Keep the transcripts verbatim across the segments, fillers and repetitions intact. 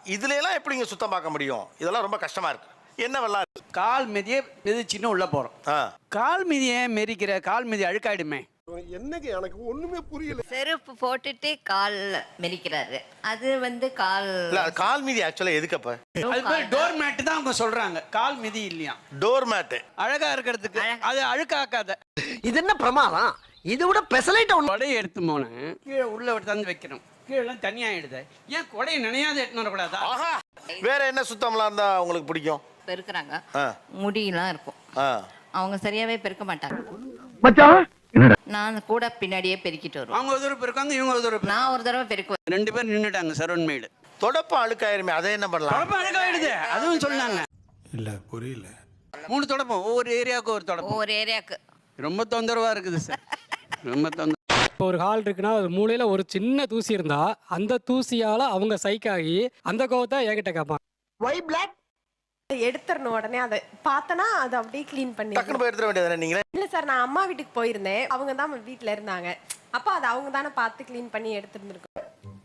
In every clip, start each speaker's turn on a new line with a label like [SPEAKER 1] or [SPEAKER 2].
[SPEAKER 1] இதுல எல்லாம் எப்படிங்க சுத்தம் பார்க்க முடியும்? இதெல்லாம் ரொம்ப கஷ்டமா இருக்கு. என்ன வெள்ளம்
[SPEAKER 2] கால் மிதியே மிதிச்சின்னு உள்ள போறோம். கால் மிதியை மெரிக்கிற கால் மிதி அழுக்காயிடுமே.
[SPEAKER 3] என்னங்க எனக்கு ஒண்ணுமே புரியல.
[SPEAKER 4] செருப்பு போட்டுட்டு கால் மெரிக்கிறாரு. அது வந்து கால்
[SPEAKER 1] கால் மிதி ஆக்சுவலா எதுக்கப்ப?
[SPEAKER 2] அது பேர் டோர் மேட் தான் அவங்க சொல்றாங்க. கால் மிதி இல்லையா?
[SPEAKER 1] டோர் மேட்
[SPEAKER 2] அழகா இருக்கிறதுக்கு. அது அழுக்காக்காத.
[SPEAKER 5] இது என்ன பிரமாதம்? இது விட பெசலைட் ஒண்ணு.
[SPEAKER 2] கொடையை எடுத்து போன கீழே உள்ள எடுத்தாந்து வைக்கணும். கீழே தனியா ஆயிடுது. ஏன் கொடையை நினையாத எடுத்துன்னு வரக்கூடாதா?
[SPEAKER 1] வேற என்ன சுத்தம்லாம் இருந்தா உங்களுக்கு பிடிக்கும்?
[SPEAKER 4] பெருக்குறாங்க, முடியெல்லாம் இருக்கும், அவங்க சரியாவே பெருக்க மாட்டாங்க. நான் கூட பின்னாடியே பெருக்கிட்டு வருவேன்.
[SPEAKER 2] அவங்க ஒரு தடவை பெருக்காங்க, இவங்க ஒரு தடவை.
[SPEAKER 4] நான் ஒரு தடவை பெருக்குவேன்.
[SPEAKER 2] ரெண்டு பேரும் நின்றுட்டாங்க சரவண் மேடு.
[SPEAKER 1] தொடப்பம் அழுக்காயிருமே, அதை என்ன பண்ணலாம்?
[SPEAKER 2] தொடப்பம் அழுக்காயிடுது, அதுவும் சொன்னாங்க.
[SPEAKER 3] இல்ல புரியல.
[SPEAKER 2] மூணு தொடப்பம், ஒவ்வொரு ஏரியாவுக்கு ஒரு தொடப்பம்.
[SPEAKER 4] ஒவ்வொரு ஏரியாவுக்கு
[SPEAKER 2] ரொம்ப தொந்தரவா இருக்குது சார், ரொம்ப தொந்தரவு.
[SPEAKER 6] இப்போ ஒரு ஹால் இருக்குன்னா ஒரு மூலையில் ஒரு சின்ன தூசி இருந்தா அந்த தூசியால் அவங்க சைக்காகி அந்த கோவத்தை என்கிட்ட கேட்பாங்க.
[SPEAKER 5] ஒய் பிளாக்
[SPEAKER 7] எடுத்துறணும். உடனே அதை பார்த்தனா அதை அப்படியே க்ளீன் பண்ணி
[SPEAKER 1] டக்குனு போய் எடுத்துட வேண்டியதானே நீங்க?
[SPEAKER 7] இல்லை சார், நான் அம்மா வீட்டுக்கு போயிருந்தேன், அவங்க தான் வீட்டில் இருந்தாங்க. அப்போ அதை அவங்க தானே பார்த்து க்ளீன் பண்ணி எடுத்துருந்துருக்கோம்.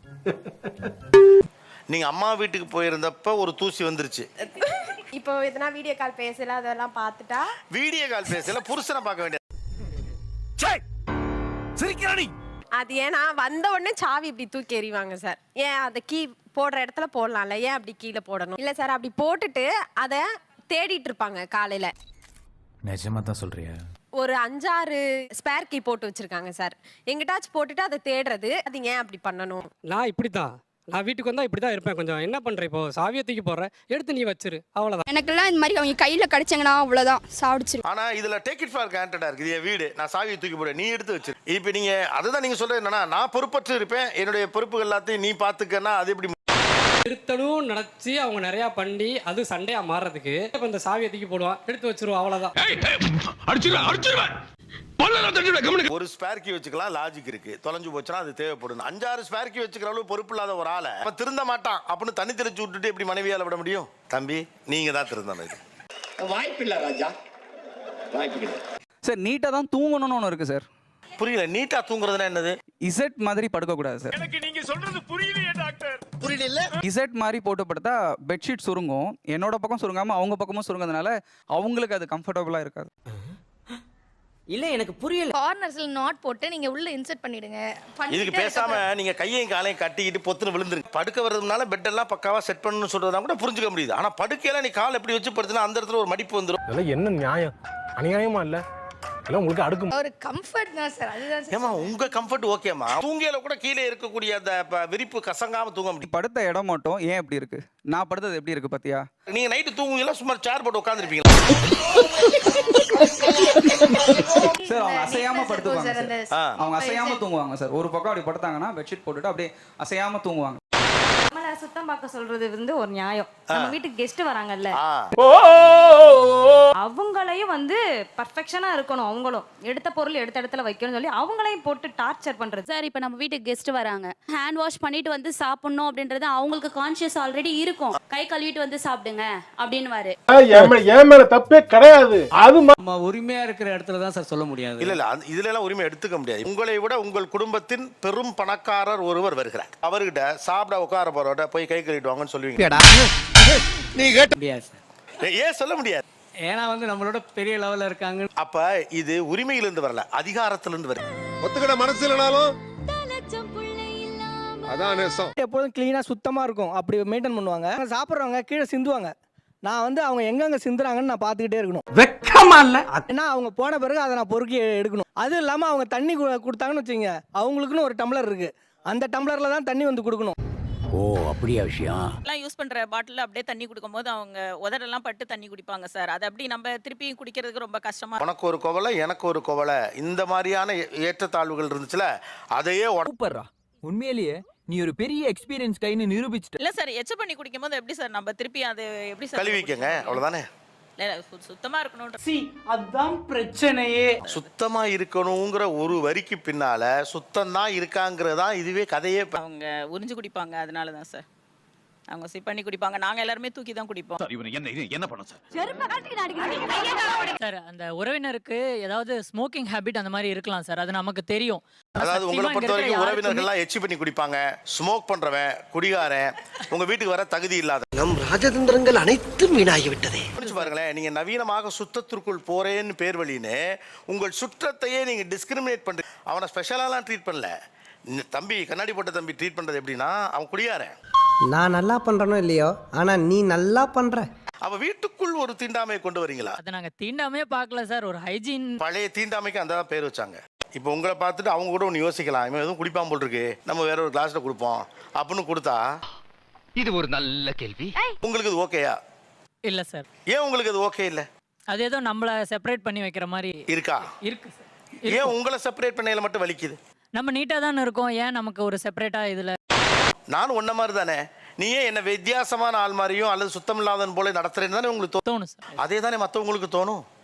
[SPEAKER 1] நீங்க அம்மா வீட்டுக்கு போயிருந்தப்ப ஒரு தூசி வந்துருச்சு.
[SPEAKER 7] இப்போ எதனா வீடியோ கால் பேசல அதெல்லாம் பார்த்துட்டா
[SPEAKER 1] வீடியோ கால் பேசல புருஷனை பார்க்க வேண்டியது.
[SPEAKER 7] அது ஏன்னா வந்த உடனே சாவி இப்படி தூக்கி எறிவாங்க சார். ஏன் அதை கீ போடுற இடத்துல போடலாம்ல, ஏன் அப்படி கீழே போடணும்? இல்லை சார், அப்படி போட்டுட்டு அதை தேடிட்டு இருப்பாங்க காலையில.
[SPEAKER 8] நிஜமா தான் சொல்றியா?
[SPEAKER 7] ஒரு அஞ்சாறு ஸ்பேர் கீ போட்டு வச்சிருக்காங்க சார். எங்கிட்டாச்சும் போட்டுட்டு அதை தேடுறது, அது ஏன் அப்படி பண்ணணும்?
[SPEAKER 6] நான் இப்படி தான், நான் வீட்டுக்கு வந்தால் இப்படி தான் இருப்பேன். கொஞ்சம் என்ன பண்ணுறேன், இப்போ சாவியை தூக்கி போடுறேன், எடுத்து நீ வச்சிரு, அவ்வளோதான்.
[SPEAKER 9] எனக்கெல்லாம் இந்த மாதிரி அவங்க கையில் கிடச்சாங்கன்னா அவ்வளோதான், சாப்பிடுச்சிரு.
[SPEAKER 1] ஆனா இதுல டேக் இட் ஃபார் கிராண்டடா இருக்கு. இது என் வீடு, நான் சாவியை தூக்கி போட, நீ எடுத்து வச்சிரு. இப்போ நீங்க அதுதான் நீங்க சொல்றது என்னன்னா, நான் பொறுப்பற்று இருப்பேன், என்னுடைய பொறுப்புகள் எல்லாத்தையும் நீ பாத்துக்கன்னா அது எப்படி?
[SPEAKER 6] திருத்தணும் நினச்சி அவங்க நிறையா பண்ணி அது சண்டையாக மாறுறதுக்கு இப்போ இந்த சாவியை தூக்கி போடுவான், எடுத்து வச்சிருவோம், அவ்வளோதான்.
[SPEAKER 1] ஒரு ஸ்பேர் கீ வச்சுக்கலாம், லாஜிக் இருக்கு. தொலைஞ்சு போச்சுன்னா அது தேவைப்படும். அஞ்சாறு ஸ்பேர் கீ வச்சுக்கிற அளவு பொறுப்பு இல்லாத ஒரு ஆளை அவன் திருந்த மாட்டான் அப்படின்னு தண்ணி தெளிச்சு விட்டுட்டு எப்படி மனைவியால விட முடியும்? தம்பி, நீங்க தான் திருந்தணும். இது
[SPEAKER 5] வாய்ப்பு இல்ல ராஜா, வாய்ப்பு இல்ல
[SPEAKER 8] சார். நீட்டா தான் தூங்கணும்னு ஒன்று இருக்கு சார்.
[SPEAKER 1] புரியல, நீட்டா தூங்குறதுனா என்னது?
[SPEAKER 8] இசட் மாதிரி படுக்க கூடாது சார்.
[SPEAKER 3] எனக்கு நீங்க சொல்றது புரியலையே டாக்டர்.
[SPEAKER 5] புரியல.
[SPEAKER 8] இசட் மாதிரி போட்டு படுத்தா பெட்ஷீட் சுருங்கும். என்னோட பக்கம் சுருங்காம அவங்க பக்கமும் சுருங்கிறதுனால அவங்களுக்கு அது கம்ஃபர்டபுளா இருக்காது.
[SPEAKER 5] இல்ல எனக்கு புரியல.
[SPEAKER 9] கார்னர்ஸ்ல நாட் போட்டு நீங்க உள்ள இன்சர்ட் பண்ணிடுங்க.
[SPEAKER 1] இதுக்கு பேசாம நீங்க கையையும் காலையும் கட்டிக்கிட்டு பொத்துன்னு விழுந்துருங்க. படுக்க வரதுனால பெட் எல்லாம் பக்காவா செட் பண்ணணும்னு சொல்றதா கூட புரிஞ்சுக்க முடியுது. ஆனா படுக்கையில நீ கால் எப்படி வச்சு படுத்துனா அந்த இடத்துல ஒரு மடிப்பு வந்துடும்.
[SPEAKER 3] இதெல்லாம் என்ன நியாயம்? அநியாயமா இல்ல? எல்லாம் உங்களுக்கு அடுக்கும்.
[SPEAKER 9] ஒரு கம்ஃபர்ட் தான் சார், அதுதான் சார்.
[SPEAKER 1] ஏமா உங்க கம்ஃபர்ட் ஓகேமா? தூங்கியல கூட கீழே இருக்கக்கூடிய அந்த விரிப்பு கசங்காம தூங்க முடியும்.
[SPEAKER 8] படுத்த இடம் மட்டும் ஏன் எப்படி இருக்கு? நான் படுத்தது எப்படி இருக்கு பாத்தியா?
[SPEAKER 1] நீங்க நைட்டு தூங்குவீங்களா சும்மா சேர் போட்டு உட்கார்ந்திருப்பீங்களா?
[SPEAKER 8] சார் அவங்க அசையாம படுத்துவாங்க சார். அவங்க அசையாம தூங்குவாங்க சார். ஒரு பக்கம் அப்படி படுத்தாங்கன்னா பெட்ஷீட் போட்டுட்டு அப்படியே அசையாம தூங்குவாங்க.
[SPEAKER 10] நம்மள சுத்தம் பார்க்க சொல்றது வந்து ஒரு நியாயம். நம்ம வீட்டுக்கு கெஸ்ட் வராங்கல்ல, அவங்களையும் வந்து பர்ஃபெக்ஷனா இருக்கணும். அவங்களும் எடுத்த பொருள் எடுத்த இடத்துல வைக்கணும்னு சொல்லி அவங்களையும் போட்டு டார்ச்சர் பண்றது.
[SPEAKER 11] சார், இப்போ நம்ம வீட்டுக்கு கெஸ்ட் வராங்க, ஹேண்ட் வாஷ் பண்ணிட்டு வந்து சாப்பிடணும் அப்படின்றது அவங்களுக்கு கான்ஷியஸ் ஆல்ரெடி இருக்கும். கை கழுவிட்டு வந்து சாப்பிடுங்க அப்படின்னு வாரு.
[SPEAKER 3] என் மேல தப்பே கிடையாது. அது
[SPEAKER 2] நம்ம உரிமையா இருக்கிற இடத்துல தான் சார் சொல்ல முடியாது.
[SPEAKER 1] இல்ல இல்ல, இதுல எல்லாம் உரிமை எடுத்துக்க முடியாது. உங்களை விட உங்கள் குடும்பத்தின் பெரும் பணக்காரர் ஒருவர் வருகிறார். அவர்கிட்ட சாப்பிட உட்கார போறவட போய் கை கழுவிட்டு வாங்கன்னு சொல்லுவீங்க?
[SPEAKER 2] நீ கேட்ட முடியாது சார்.
[SPEAKER 1] ஏன் சொல்ல முடியாது?
[SPEAKER 2] ஏன்னா வந்து நம்மளோட பெரிய லெவல்ல இருக்காங்க.
[SPEAKER 1] அப்ப இது உரிமையிலிருந்து வரல, அதிகாரத்திலிருந்து வருது.
[SPEAKER 3] ஒத்துக்கிட மனசு இல்லனாலும் அதான் நேசம்.
[SPEAKER 5] எப்போதும் கிளீனா சுத்தமா இருக்கும், அப்படி மெயின்டைன் பண்ணுவாங்க. சாப்பிட்றவங்க கீழே சிந்துவாங்க. நான் வந்து அவங்க எங்கெங்க சிந்துறாங்கன்னு நான் பார்த்துக்கிட்டே இருக்கணும்.
[SPEAKER 2] வெக்கமா இல்ல?
[SPEAKER 5] ஏன்னா அவங்க போன பிறகு அதை நான் பொறுக்கி எடுக்கணும். அது இல்லாம அவங்க தண்ணி கொடுத்தாங்கன்னு வச்சுங்க, அவங்களுக்குன்னு ஒரு டம்ளர் இருக்கு, அந்த டம்ளர்ல தான் தண்ணி வந்து கொடுக்கணும்.
[SPEAKER 8] ஓ, அப்படியா விஷயம்?
[SPEAKER 10] எல்லாம் யூஸ் பண்ற பாட்டில் அப்படியே தண்ணி குடிக்கும்போது அவங்க உதடெல்லாம் பட்டு தண்ணி குடிப்பாங்க சார். அது அப்படி நம்ம திருப்பி குடிக்கிறதுக்கு ரொம்ப கஷ்டமா.
[SPEAKER 1] உனக்கு ஒரு கோவலை, எனக்கு ஒரு கோவலை, இந்த மாதிரியான ஏற்றத்தாழ்வுகள் இருந்துச்சுல, அதையே
[SPEAKER 8] சூப்பர்ரா. உண்மையிலேயே நீ ஒரு பெரிய எக்ஸ்பீரியன்ஸ் கைன்னு நிரூபிச்சிட்ட.
[SPEAKER 10] இல்ல சார், எச்ச பண்ணி குடிக்கும்போது எப்படி சார் நம்ம திருப்பி அது எப்படி சார்
[SPEAKER 1] கழுவிக்கங்க, அவ்வளவுதானே.
[SPEAKER 10] சுத்தமா இருக்கணும்.
[SPEAKER 2] சி, அதான் பிரச்சனையே.
[SPEAKER 1] சுத்தமா இருக்கணுங்கிற ஒரு வரிக்கு பின்னால சுத்தம் தான் இருக்காங்கிறதா இதுவே கதையே.
[SPEAKER 10] அவங்க உறிஞ்சு குடிப்பாங்க, அதனால தான் சார். அவங்க சிப் பண்ணி குடிப்பாங்க. நாங்க எல்லாருமே தூக்கி தான் குடிப்போம்.
[SPEAKER 12] என்ன பண்ண சார்?
[SPEAKER 13] சார் அந்த உறவினருக்கு ஏதாவது ஸ்மோக்கிங் ஹேபிட் அந்த மாதிரி இருக்கலாம் சார், அது நமக்கு தெரியும்.
[SPEAKER 1] அதாவது உங்களை பொறுத்த வரைக்கும் உறவினர்கள்லாம் எச்சி பண்ணி குடிப்பாங்க, ஸ்மோக் பண்றவன், குடிகாரன், உங்க வீட்டுக்கு வர தகுதி இல்லாத
[SPEAKER 14] நம் ராஜதந்திரங்கள் அனைத்தும் வீணாகி விட்டதே.
[SPEAKER 1] பாருங்களேன், நீங்க நவீனமாக சுத்தத்திற்குள் போறேன்னு பேர் வழின்னு உங்கள் சுற்றத்தையே நீங்க டிஸ்கிரிமினேட் பண்றீங்க. அவனை ஸ்பெஷலாலாம் ட்ரீட் பண்ணல. தம்பி கண்ணாடி போட்ட தம்பி ட்ரீட் பண்றது எப்படின்னா, அவன் குடியாரன்.
[SPEAKER 14] நான் நல்லா பண்றனோ இல்லையோ, ஆனா நீ நல்லா பண்ற.
[SPEAKER 1] அவ வீட்டுக்குள் ஒரு தீண்டாமையை கொண்டு வரீங்களா?
[SPEAKER 13] அதை நாங்க தீண்டாமே பார்க்கல சார், ஒரு ஹைஜீன்.
[SPEAKER 1] பழைய தீண்டாமைக்கு அந்த பேர் வச்சாங்க. இப்போ உங்களை பார்த்துட்டு அவங்க கூட ஒன்று யோசிக்கலாம், இவன் எதுவும் குடிப்பான் போல் இருக்கு, நம்ம வேற ஒரு கிளாஸ்ல கொடுப்போம் அப்படின்னு கொடுத்தா,
[SPEAKER 12] இது ஒரு நல்ல கேள்வி.
[SPEAKER 1] உங்களுக்கு இது ஓகேயா?
[SPEAKER 13] இல்ல சார்.
[SPEAKER 1] ஏன் உங்களுக்கு இது ஓகே இல்ல?
[SPEAKER 13] அது ஏதோ நம்மள செப்பரேட் பண்ணி வைக்கிற மாதிரி
[SPEAKER 1] இருக்கா?
[SPEAKER 13] இருக்கு சார்.
[SPEAKER 1] ஏன் உங்களை செப்பரேட் பண்ணையில மட்டும் வலிக்குது?
[SPEAKER 13] நம்ம நீட்டா தானே இருக்கோம், ஏன் நமக்கு ஒரு செப்பரேட்டா இதுல?
[SPEAKER 1] நானும் ஒன்ன மாதிரி தானே, நீ ஏன் என்ன வித்தியாசமான ஆள் மாதிரியும் அல்லது சுத்தம் இல்லாதவன் போல நடத்துறேன்னு தானே உங்களுக்கு தோணும். அதே தானே மற்றவங்களுக்கு தோணும்.